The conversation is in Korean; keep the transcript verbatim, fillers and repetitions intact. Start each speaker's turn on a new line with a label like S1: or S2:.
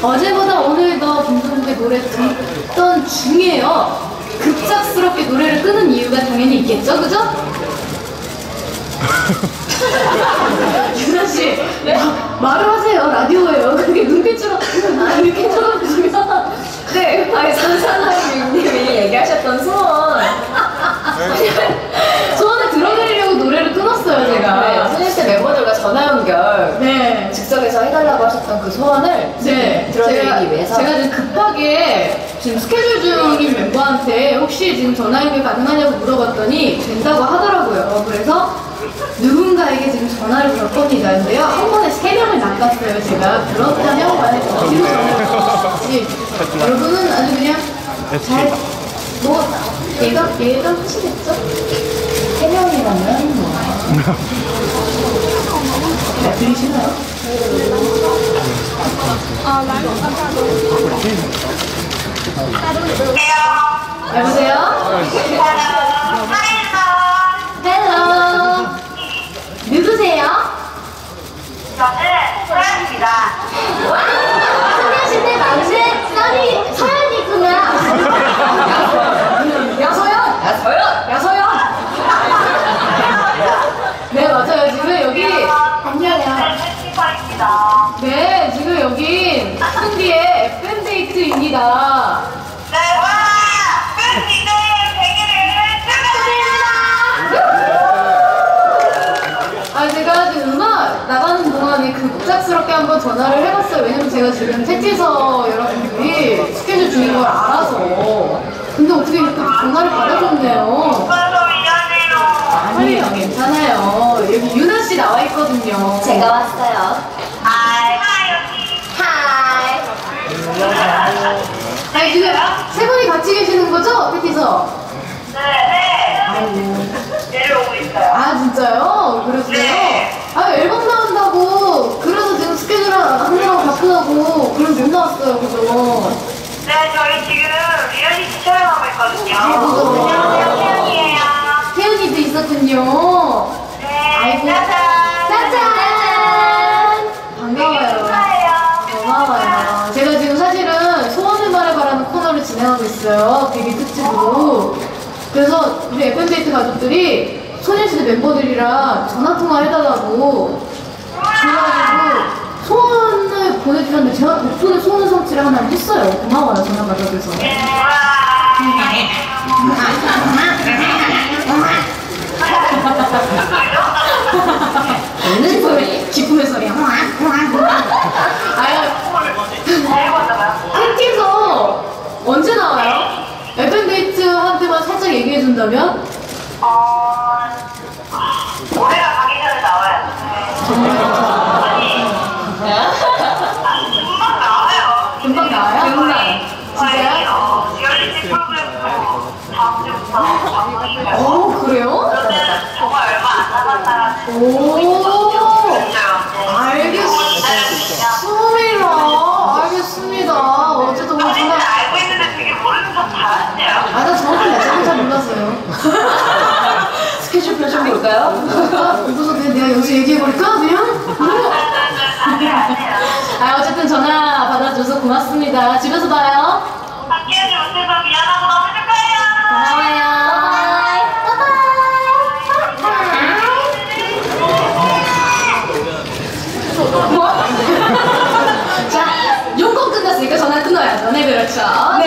S1: 어제보다 오늘 더 김종국의 노래 듣던 중에요. 급작스럽게 노래를 끄는 이유가 당연히 있겠죠, 그죠? 유나씨, 네? 말을 하세요. 라디오예요. 그렇게 눈빛으로 이렇게 쳐다보시면.
S2: 네, 아니, 선사나님이 얘기하셨던 소원.
S1: 소원을 들어드리려고 노래를 끊었어요, 제가.
S2: 네, 소녀시대 멤버들과 전화 연결.
S1: 네.
S2: 즉석에서 해달라고 하셨던 그 소원을
S1: 네.
S2: 들어드리기
S1: 제가,
S2: 위해서.
S1: 제가 지금 급하게 지금 스케줄 중인 멤버한테 혹시 지금 전화 연결 가능하냐고 물어봤더니 된다고 하더라고요. 그래서 누군가에게 지금 전화를 걸 겁니다. 근데요, 한 번에 세 명을 낚았어요, 제가. 그렇다면 만약에 뒤로 전화를 여러분은 아주 그냥 잘, 뭐, 예감, 예감하시겠죠?
S2: 세 명이라면 뭐.
S1: 잘 들리시나요? 여보세요? 헬로. 누구세요?
S3: 저는 서연입니다.
S1: 소녀시대 막내 써니 서연이구나. 야서연!
S2: 야서연!
S1: 야서연! 네, 맞아요. 지금 여기 안녕하세요.
S3: 팬티파입니다.
S1: 네, 지금 여긴 승디의 에프엠데이트입니다.
S3: 네, 와! 팬티의 생일을 축하드립니다.
S1: 아, 제가 지금 음악 나가는 동안에 급작스럽게 한번 전화를 해봤어요. 왜냐면 제가 지금 택지서 여러분들이 스케줄 중인 걸 알아서. 근데 어떻게 이렇게 전화를 받아줬네요.
S3: 오빠도 미안해요.
S1: 아니에요, 괜찮아요. 여기 유나씨 나와 있거든요.
S2: 제가 왔어요.
S3: 하이, 하이, 언니.
S2: 하이.
S1: 아니, 지금 세 분이 같이 계시는 거죠? 택지서?
S3: 네, 네.
S1: 아이고.
S3: 내려오고 있어요.
S1: 아, 진짜요? 그러세요?
S3: 네.
S1: 아, 앨범 나온다고. 그래서 지금 스케줄 하느라고 바쁘다고. 그래서 못 나왔어요, 그죠?
S3: 네, 저희 지금 리얼리티 촬영하고 있거든요.
S1: 아이고.
S3: 안녕하세요, 태연이에요.
S1: 태연이도 있었군요.
S3: 네,
S1: 아이고.
S3: 짜잔.
S1: 짜잔! 반가워요.
S3: 축하해요.
S1: 고마워요. 제가 지금 사실은 소원을 말해봐라는 코너를 진행하고 있어요. 데뷔 특집으로. 그래서 우리 에프엠데이트 가족들이 소녀시대 멤버들이랑 전화통화 해달라고 그래가지고 소원을 보내주셨는데 제가 덕분에 소원 성취를 하나 했어요. 고마워요, 전화 받아줘서.
S2: 웃는 소리.
S1: 기쁨의 소리야. 아유, 팬티에서 언제 나와요? 에프엠데이트한테만 살짝 얘기해준다면?
S3: 어, 올해가 가기 전에 나와요. 금방 나와요.
S1: 금방 나와요?
S2: 금방.
S1: 진짜요?
S3: 어, 리얼리티 프로그램도 다음 주부터 방송이고요.
S1: 오, 그래요?
S3: 저는 정말 얼마 안 남았다라는
S1: 오,
S3: 진짜요.
S1: 알겠습니다. 알겠습니다. 어쨌든 오늘
S3: 저희는
S1: 전화.
S3: 알고 있는데 되게 모르는 척 잘하시네요.
S1: 아, 나 정확히 날짜를 잘 몰랐어요.
S2: 스케줄표 좀 볼까요?
S1: 아, 그래서 그냥 내가 여기서 얘기해버릴까? 그냥? 아, 어쨌든 전화 받아줘서 고맙습니다. 집에서 봐요.
S3: 함께해주셔서 미안하고 너무 축하해요.
S1: 고마워요. 자, 용건 끝났으니까 전화 끊어야죠. 네, 그렇죠.